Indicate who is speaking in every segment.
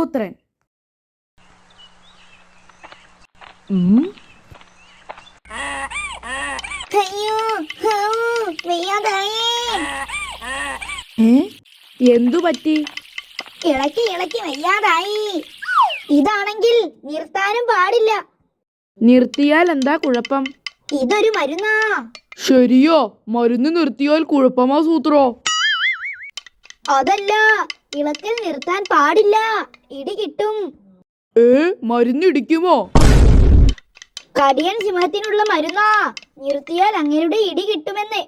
Speaker 1: ദശപുത്രൻ. എന്തു പറ്റി?
Speaker 2: ഇളക്കി ഇളക്കി വയ്യാതായി. ഇതാണെങ്കിൽ നിർത്താനും പാടില്ല.
Speaker 1: നിർത്തിയാൽ എന്താ കുഴപ്പം?
Speaker 2: ഇതൊരു മരുന്നാ.
Speaker 1: ശരിയോ? മരുന്ന് നിർത്തിയാൽ കുഴപ്പമാ സൂത്രോ?
Speaker 2: അതല്ല, ഇളക്കൽ നിർത്താൻ പാടില്ല, ഇടി കിട്ടും.
Speaker 1: മരുന്ന് ഇടിക്കുമോ?
Speaker 2: കടിയൻ സിംഹത്തിനുള്ള മരുന്നാ. നിർത്തിയാൽ അങ്ങയുടെ ഇടി കിട്ടുമെന്ന്.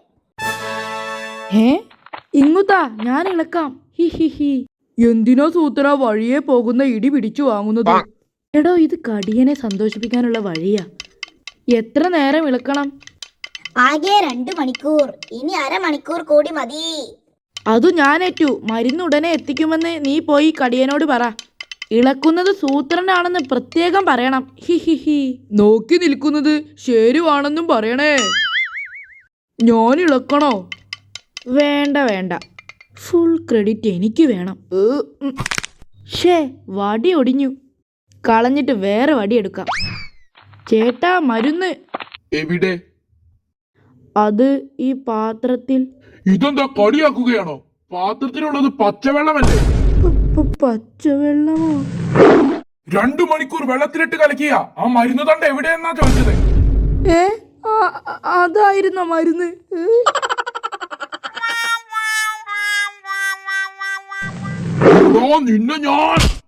Speaker 1: ഇങ്ങുതാ, ഞാൻ ഇളക്കാം. ഹി. എന്തിനാ സൂത്ര വഴിയെ പോകുന്ന ഇടി പിടിച്ചു വാങ്ങുന്നത്? എടോ, ഇത് കടിയനെ സന്തോഷിപ്പിക്കാനുള്ള വഴിയാ. എത്ര നേരം ഇളക്കണം?
Speaker 2: ആകെ 2 മണിക്കൂർ. ഇനി അരമണിക്കൂർ കൂടി മതി.
Speaker 1: അതു ഞാനേറ്റു. മരുന്ന് ഉടനെ എത്തിക്കുമെന്ന് നീ പോയി കടിയനോട് പറ. ഇളക്കുന്നത് സൂത്രനാണെന്ന് പ്രത്യേകം പറയണം. ഹി. നോക്കി നിൽക്കുന്നത് ശരിയാണെന്നും പറയണേ. ഞാൻ ഇളക്കണോ? വേണ്ട, ഫുൾ ക്രെഡിറ്റ് എനിക്ക് വേണം. വടി ഒടിഞ്ഞു. കളഞ്ഞിട്ട് വേറെ വടി എടുക്കാം. ചേട്ടാ, മരുന്ന്
Speaker 3: എവിടെ?
Speaker 1: അത് ഈ പാത്രത്തിൽ.
Speaker 3: ഇതെന്താ കളിയാക്കുകയാണോ? പാത്രത്തിലുള്ളത് പച്ചവെള്ളമല്ലേ?
Speaker 1: പച്ചവെള്ളമോ?
Speaker 3: 2 മണിക്കൂർ വെള്ളത്തിലിട്ട് കലക്കിയ ആ മരുന്ന് തണ്ട എവിടെയെന്നാ ചോദിച്ചത്.
Speaker 1: അതായിരുന്നോ മരുന്ന്?
Speaker 3: നിന്നെ ഞാൻ